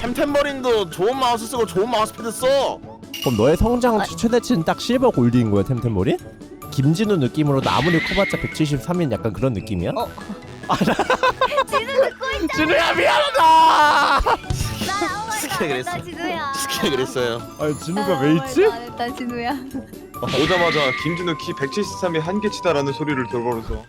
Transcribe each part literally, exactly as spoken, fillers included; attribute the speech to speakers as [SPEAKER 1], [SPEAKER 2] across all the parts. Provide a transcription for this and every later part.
[SPEAKER 1] 템템버린도 좋은 마우스 쓰고 좋은 마우스패드 써.
[SPEAKER 2] 그럼 너의 성장
[SPEAKER 3] 아.
[SPEAKER 2] 최대치는 딱 실버 골드인 거야 템템버린? 김진우 느낌으로 나 아무리 커봤자 백칠십삼인 약간 그런 느낌이야?
[SPEAKER 3] 어. 진우 듣고 있잖아.
[SPEAKER 2] 진우야 미안하다!
[SPEAKER 3] 나 아무 말도
[SPEAKER 1] 스키가
[SPEAKER 3] 안
[SPEAKER 1] 그랬어.
[SPEAKER 3] 했다 진우야.
[SPEAKER 1] 스키가 그랬어요.
[SPEAKER 2] 아니 진우가
[SPEAKER 3] 나
[SPEAKER 2] 왜
[SPEAKER 3] 아무
[SPEAKER 2] 있지?
[SPEAKER 3] 말도 안 했다 진우야.
[SPEAKER 4] 오자마자 김진우 키 백칠십삼이 한계치다라는 소리를 들어버려서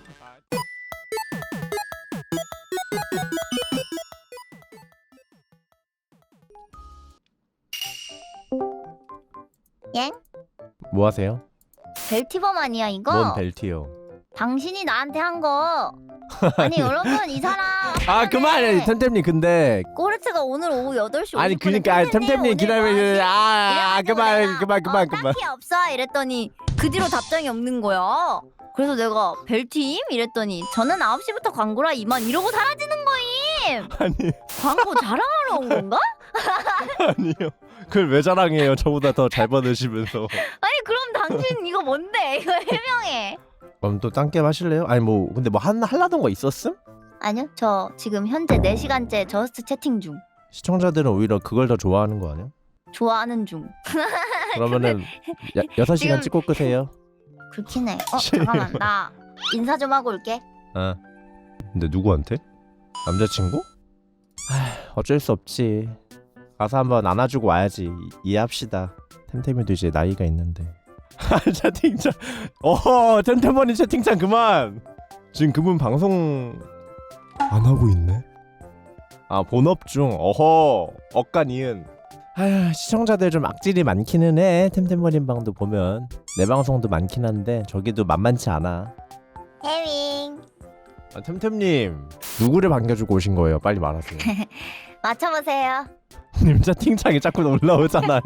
[SPEAKER 3] 엥?
[SPEAKER 2] 뭐 하세요?
[SPEAKER 3] 벨티범 아니야 이거?
[SPEAKER 2] 뭔 벨트요?
[SPEAKER 3] 당신이 나한테 한 거. 아니 여러분 이 사람.
[SPEAKER 2] 아 그만해 템템님 근데
[SPEAKER 3] 꼬르트가 오늘 오후 여덟 시
[SPEAKER 2] 아니
[SPEAKER 3] 오십 분에
[SPEAKER 2] 그니까 템템님
[SPEAKER 3] 오늘
[SPEAKER 2] 기다려
[SPEAKER 3] 뭐하지?
[SPEAKER 2] 아
[SPEAKER 3] 이래가지고
[SPEAKER 2] 그만
[SPEAKER 3] 내가,
[SPEAKER 2] 그만 그만
[SPEAKER 3] 어,
[SPEAKER 2] 그만
[SPEAKER 3] 딱히 없어 이랬더니 그 뒤로 답장이 없는 거야. 그래서 내가 벨팀? 이랬더니 저는 아홉 시부터 광고라 이만 이러고 사라지는 거임.
[SPEAKER 2] 아니
[SPEAKER 3] 광고 자랑하러 온 건가?
[SPEAKER 2] 아니요 그걸 왜 자랑해요 저보다 더 잘 받으시면서
[SPEAKER 3] 아니 그럼 당신 이거 뭔데? 이거 해명해.
[SPEAKER 2] 그럼 또 딴 게임 하실래요? 아니 뭐 근데 뭐 한, 하려던 거 있었음?
[SPEAKER 3] 아니요 저 지금 현재 네 시간째 저스트 채팅 중.
[SPEAKER 2] 시청자들은 오히려 그걸 더 좋아하는 거 아니야?
[SPEAKER 3] 좋아하는 중.
[SPEAKER 2] 그러면은 야, 여섯 시간
[SPEAKER 3] 지금-
[SPEAKER 2] 찍고 끄세요.
[SPEAKER 3] 그렇긴 해. 어 잠깐만 나 인사 좀 하고 올게.
[SPEAKER 2] 아 근데 누구한테? 남자친구? 아 어쩔 수 없지. 가서 한번 안아주고 와야지. 이, 이해합시다. 템템이도 이제 나이가 있는데. 아 채팅창. 어허 템템머니 채팅창 그만. 지금 그분 방송 안 하고 있네. 아 본업 중. 어허 억간 이은. 아휴 시청자들 좀 악질이 많기는 해. 템템머린 방도 보면 내 방송도 많긴 한데 저기도 만만치 않아.
[SPEAKER 3] 해밍.
[SPEAKER 2] 아, 템템님 누구를 반겨주고 오신 거예요? 빨리 말하세요.
[SPEAKER 3] 맞춰보세요.
[SPEAKER 2] 님 채팅창이 자꾸 올라오잖아요.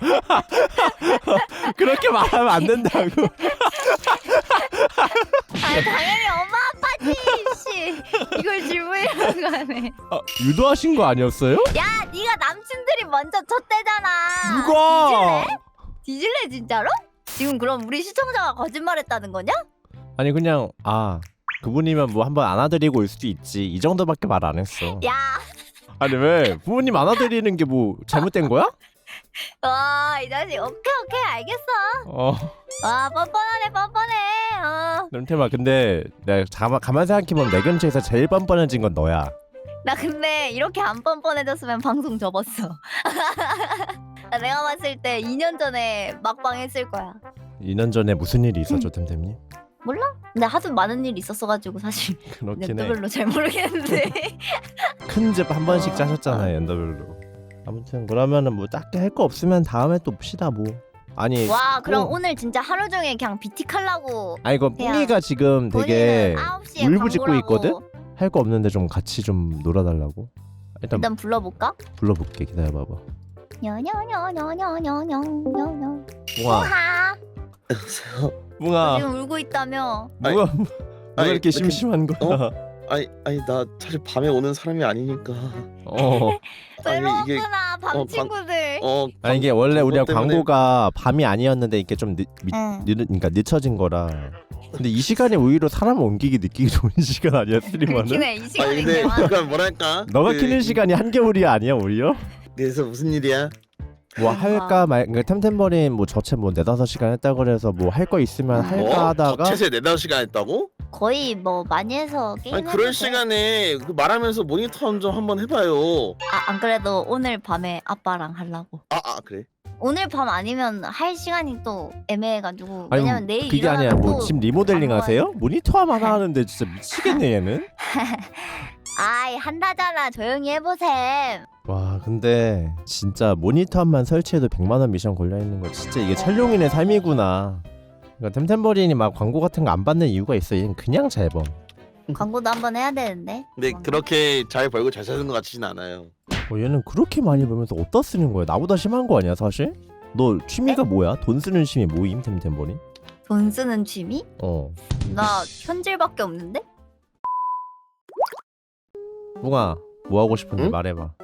[SPEAKER 2] 그렇게 말하면 안 된다고.
[SPEAKER 3] 아 당연히 엄마 아빠지. 씨 이걸 질문이라고 하네.
[SPEAKER 2] 아, 유도하신 거 아니었어요?
[SPEAKER 3] 야 네가 남친들이 먼저 쳤대잖아.
[SPEAKER 2] 누가?
[SPEAKER 3] 뒤질래? 뒤질래 진짜로? 지금 그럼 우리 시청자가 거짓말했다는 거냐?
[SPEAKER 2] 아니 그냥 아 그분이면 뭐 한번 안아드리고 올 수도 있지. 이 정도밖에 말 안 했어.
[SPEAKER 3] 야,
[SPEAKER 2] 아니 왜 부모님 안아드리는 게 뭐 잘못된 거야?
[SPEAKER 3] 와이 자식 오케이 오케이 알겠어.
[SPEAKER 2] 어
[SPEAKER 3] 와 뻔뻔하네 뻔뻔해. 어.
[SPEAKER 2] 템템아 근데 내가 가만 가만 생각해보면 내 근처에서 제일 뻔뻔해진 건 너야.
[SPEAKER 3] 나 근데 이렇게 안 뻔뻔해졌으면 방송 접었어. 나 내가 봤을 때 이 년 전에 막방 했을 거야.
[SPEAKER 2] 이 년 전에 무슨 일이 있었죠 템템님?
[SPEAKER 3] 몰라? 근데 하도 많은 일이 있었어가지고 사실
[SPEAKER 2] 그렇긴 해.
[SPEAKER 3] 별로 잘 모르겠는데.
[SPEAKER 2] 큰 집 한 번씩
[SPEAKER 3] 어.
[SPEAKER 2] 짜셨잖아요 연더별로. 아무튼 그러면은 뭐 딱히 할 거 없으면 다음에 또 봅시다 뭐. 아니
[SPEAKER 3] 와 그럼
[SPEAKER 2] 어.
[SPEAKER 3] 오늘 진짜 하루 종일 그냥 비틱하려고.
[SPEAKER 2] 아니 이거
[SPEAKER 3] 그냥
[SPEAKER 2] 뿡이가 지금 되게
[SPEAKER 3] 아홉 시에
[SPEAKER 2] 울부짖고
[SPEAKER 3] 광고라고.
[SPEAKER 2] 있거든? 할 거 없는데 좀 같이 좀 놀아달라고. 일단
[SPEAKER 3] 일단 불러볼까?
[SPEAKER 2] 불러볼게. 기다려봐봐.
[SPEAKER 3] 냐냐냐냐냐냐냐냐.
[SPEAKER 2] 뿡아
[SPEAKER 3] 우하.
[SPEAKER 2] 뿡아
[SPEAKER 3] 지금 울고 있다며.
[SPEAKER 2] 뭐가 뭐가
[SPEAKER 1] 아니,
[SPEAKER 2] 이렇게
[SPEAKER 1] 이렇게-
[SPEAKER 2] 심심한 거야?
[SPEAKER 1] 아니 아니 나 사실 밤에 오는 사람이 아니니까.
[SPEAKER 2] 어.
[SPEAKER 1] 아니 이게
[SPEAKER 3] 외롭구나 밤
[SPEAKER 1] 어, 방-
[SPEAKER 3] 친구들.
[SPEAKER 1] 어
[SPEAKER 2] 아니 이게 원래 우리가
[SPEAKER 1] 그것 때문에-
[SPEAKER 2] 광고가 밤이 아니었는데 이게 좀 늦, 미,
[SPEAKER 3] 응.
[SPEAKER 2] 늦, 그러니까 늦춰진 거라. 근데 이 시간이 오히려 사람 옮기기 느끼기 좋은 시간 아니야 스트리머는?
[SPEAKER 3] 그렇긴 해. 이
[SPEAKER 1] 아니
[SPEAKER 3] 시간이
[SPEAKER 1] 근데
[SPEAKER 3] 게 많아.
[SPEAKER 1] 그러니까 뭐랄까.
[SPEAKER 2] 너가
[SPEAKER 1] 그-
[SPEAKER 2] 키는 시간이 한겨울이 아니야 오히려?
[SPEAKER 1] 그래서 무슨 일이야?
[SPEAKER 2] 뭐
[SPEAKER 3] 아.
[SPEAKER 2] 할까 말 그러니까 템템버린 뭐 저체 뭐 네다섯 시간 했다 그래서 뭐 할 거 있으면 할까
[SPEAKER 1] 어?
[SPEAKER 2] 하다가
[SPEAKER 1] 최세 네다섯 시간 했다고?
[SPEAKER 3] 거의 뭐 많이 해서 게임.
[SPEAKER 1] 아니 그럴 시간에 그 말하면서 모니터 좀 한번 해봐요.
[SPEAKER 3] 아안 그래도 오늘 밤에 아빠랑 하려고.
[SPEAKER 1] 아 아 그래?
[SPEAKER 3] 오늘 밤 아니면 할 시간이 또 애매해가지고.
[SPEAKER 2] 아니
[SPEAKER 3] 왜냐면 내일
[SPEAKER 2] 그게 아니야 뭐
[SPEAKER 3] 또
[SPEAKER 2] 집 리모델링
[SPEAKER 3] 안
[SPEAKER 2] 하세요? 모니터 하나 하는데 진짜 미치겠네 얘는.
[SPEAKER 3] 아이 한다잖아 조용히 해보셈.
[SPEAKER 2] 와 근데 진짜 모니터만 설치해도 백만 원 미션 걸려있는 거 진짜 이게 촬영인의 삶이구나. 그러니까 템템버린이 막 광고 같은 거 안 받는 이유가 있어. 얘는 그냥 잘 범.
[SPEAKER 3] 광고도 한번 해야 되는데.
[SPEAKER 1] 근데 그렇게 잘 벌고 잘 사는 것 같지는 않아요.
[SPEAKER 2] 어, 얘는 그렇게 많이 벌면서 어디다 쓰는 거야? 나보다 심한 거 아니야 사실? 너 취미가 뭐야? 돈 쓰는 취미 뭐임 템템버린?
[SPEAKER 3] 돈 쓰는 취미?
[SPEAKER 2] 어
[SPEAKER 3] 나 현질밖에 없는데?
[SPEAKER 2] 뿡아 뭐 하고 싶은데
[SPEAKER 1] 응?
[SPEAKER 2] 말해봐.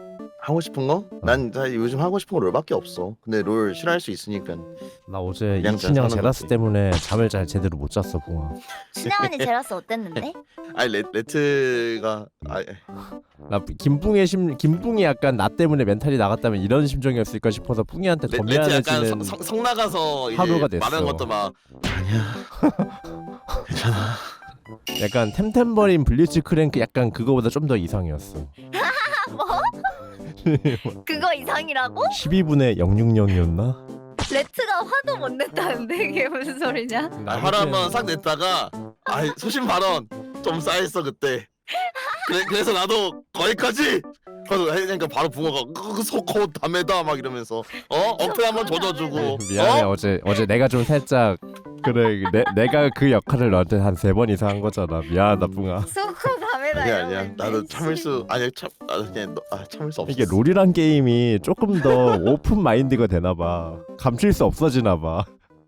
[SPEAKER 1] 하고 싶은 거? 난 사실 요즘 하고 싶은 거 롤밖에 없어. 근데 롤 싫어할 수 있으니까.
[SPEAKER 2] 나 어제
[SPEAKER 1] 그냥
[SPEAKER 2] 이춘향
[SPEAKER 1] 사는
[SPEAKER 2] 제라스
[SPEAKER 1] 거지.
[SPEAKER 2] 때문에 잠을 잘 제대로 못 잤어 붕아.
[SPEAKER 3] 신영 언니 제라스 어땠는데?
[SPEAKER 1] 아니 레, 레트가 아
[SPEAKER 2] 나 김뿡의 심 김뿡이 약간 나 때문에 멘탈이 나갔다면 이런 심정이었을까 싶어서 뿡이한테
[SPEAKER 1] 레,
[SPEAKER 2] 더
[SPEAKER 1] 레트 약간
[SPEAKER 2] 미안해지는
[SPEAKER 1] 성, 성, 성 나가서 이제
[SPEAKER 2] 하루가 됐어.
[SPEAKER 1] 말하는 것도 막 아니야 괜찮아.
[SPEAKER 2] 약간 템템버린 블리츠 크랭크 약간 그거보다 좀 더 이상이었어.
[SPEAKER 3] 뭐? 그거 이상이라고?
[SPEAKER 2] 십이 분의 영육영이었나?
[SPEAKER 3] 레트가 화도 못 냈다는데 이게 무슨 소리냐?
[SPEAKER 1] 아, 화를 한번 싹 냈다가 아 소신 발언 좀 쌓였어 그때. 그래, 그래서 나도 거기까지. 그래서 하니까 바로 붕어가 속호 담에다 막 이러면서 어 어플 한번 조져주고.
[SPEAKER 2] 미안해
[SPEAKER 1] 어?
[SPEAKER 2] 어제 어제 내가 좀 살짝 그래 내, 내가 그 역할을 너한테 한 세 번 이상 한 거잖아. 미안하다 뿡아.
[SPEAKER 3] 소코 밤에다
[SPEAKER 1] 아니야
[SPEAKER 3] 이러고
[SPEAKER 1] 아니야
[SPEAKER 3] 있네.
[SPEAKER 1] 나도 참을 수 아니 참 아, 그냥 너, 아, 참을 수 없어.
[SPEAKER 2] 이게 롤이란 게임이 조금 더 오픈 마인드가 되나 봐. 감출 수 없어지나 봐.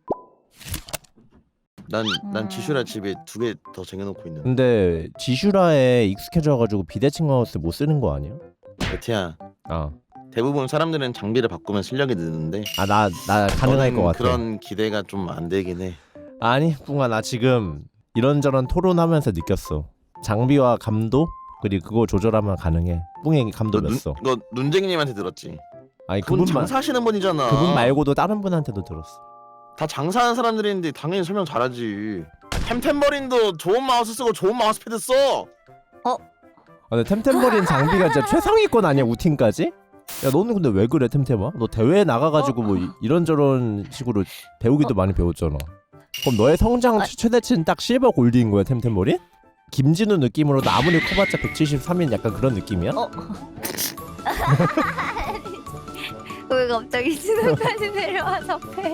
[SPEAKER 1] 난난
[SPEAKER 3] 음.
[SPEAKER 1] 지슈라 집에 두 개 더 쟁여놓고 있는.
[SPEAKER 2] 근데 지슈라에 익숙해져가지고 비대칭 마우스 못 쓰는 거 아니야?
[SPEAKER 1] 베티야
[SPEAKER 2] 아,
[SPEAKER 1] 대부분 사람들은 장비를 바꾸면 실력이 느는데
[SPEAKER 2] 아 나 나 가능할
[SPEAKER 1] 너는
[SPEAKER 2] 것 같아.
[SPEAKER 1] 그런 기대가 좀 안 되긴 해.
[SPEAKER 2] 아니 뿡아 나 지금 이런저런 토론하면서 느꼈어. 장비와 감도 그리고 그거 조절하면 가능해. 뿡이 감도
[SPEAKER 1] 너 눈,
[SPEAKER 2] 냈어.
[SPEAKER 1] 너 눈쟁이님한테 들었지?
[SPEAKER 2] 아니
[SPEAKER 1] 그분
[SPEAKER 2] 그분만
[SPEAKER 1] 장사하시는 분이잖아.
[SPEAKER 2] 그분 말고도 다른 분한테도 들었어.
[SPEAKER 1] 다 장사하는 사람들인데 당연히 설명 잘하지. 템템버린도 좋은 마우스 쓰고 좋은 마우스패드 써.
[SPEAKER 2] 아, 근데 템템버린 장비가 진짜 최상위권 아니야 우팀까지? 야 너는 근데 왜 그래 템템아? 너 대회 나가가지고 뭐 이- 이런저런 식으로 배우기도 많이 배웠잖아. 그럼 너의 성장
[SPEAKER 3] 아.
[SPEAKER 2] 최대치는 딱 실버 골드인 거야 템템버린? 김진우 느낌으로 나 아무리 커봤자 백칠십삼인 약간 그런 느낌이야?
[SPEAKER 3] 어? 왜 갑자기 진우까지 내려와서 패?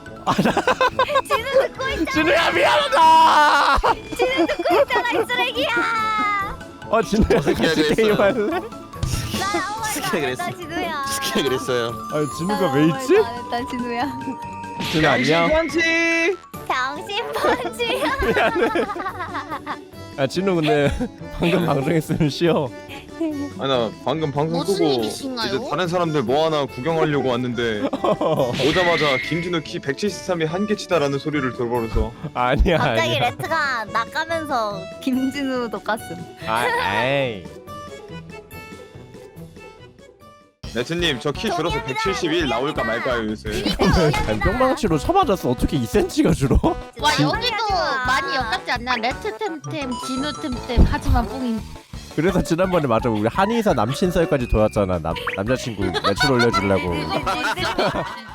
[SPEAKER 3] 진우 듣고 있잖아.
[SPEAKER 2] 진우야 미안하다!
[SPEAKER 3] 진우 듣고 있잖아 이 쓰레기야.
[SPEAKER 2] 어 진우야
[SPEAKER 1] 새끼야
[SPEAKER 2] 같이
[SPEAKER 1] 그랬어요.
[SPEAKER 2] 게임 할래?
[SPEAKER 3] 나 아무
[SPEAKER 1] 스키야
[SPEAKER 3] 말도 안
[SPEAKER 1] 그랬어.
[SPEAKER 3] 했다 진우야.
[SPEAKER 1] 스키야 그랬어요.
[SPEAKER 2] 아니
[SPEAKER 3] 나
[SPEAKER 2] 진우가
[SPEAKER 3] 아무
[SPEAKER 2] 왜
[SPEAKER 3] 말도
[SPEAKER 2] 있지?
[SPEAKER 3] 안 했다 진우야.
[SPEAKER 2] 진우 안녕?
[SPEAKER 4] 양심펀치.
[SPEAKER 3] 당신 펀치야.
[SPEAKER 2] 야 진우 근데 방금 방송했으면 쉬어.
[SPEAKER 4] 아니 나 방금 방송
[SPEAKER 5] 무슨
[SPEAKER 4] 끄고
[SPEAKER 5] 일이신가요?
[SPEAKER 4] 이제 다른 사람들 뭐 하나 구경하려고 왔는데 오자마자 김진우 키 백칠십삼이 한계치다라는 소리를 들어버려서
[SPEAKER 2] 아니야
[SPEAKER 3] 갑자기
[SPEAKER 2] 아니야.
[SPEAKER 3] 레트가 나가면서 김진우도 깠음.
[SPEAKER 2] 아, 에이.
[SPEAKER 4] 레트님 저 키 줄어서 백칠십일 나올까 말까요 요새.
[SPEAKER 2] 아니, 뿅망치로 쳐맞았어. 어떻게 이 센티미터가 줄어?
[SPEAKER 5] 와
[SPEAKER 3] 진-
[SPEAKER 5] 여기도
[SPEAKER 3] 하지 마.
[SPEAKER 5] 많이 엮였지 않나? 레트 템템, 진우 템템 하지만 뿡이
[SPEAKER 2] 그래서 지난번에 맞아 우리 한의사 남친설까지 도왔잖아. 남 남자친구 매출 올려주려고.
[SPEAKER 3] 진- 진- 진-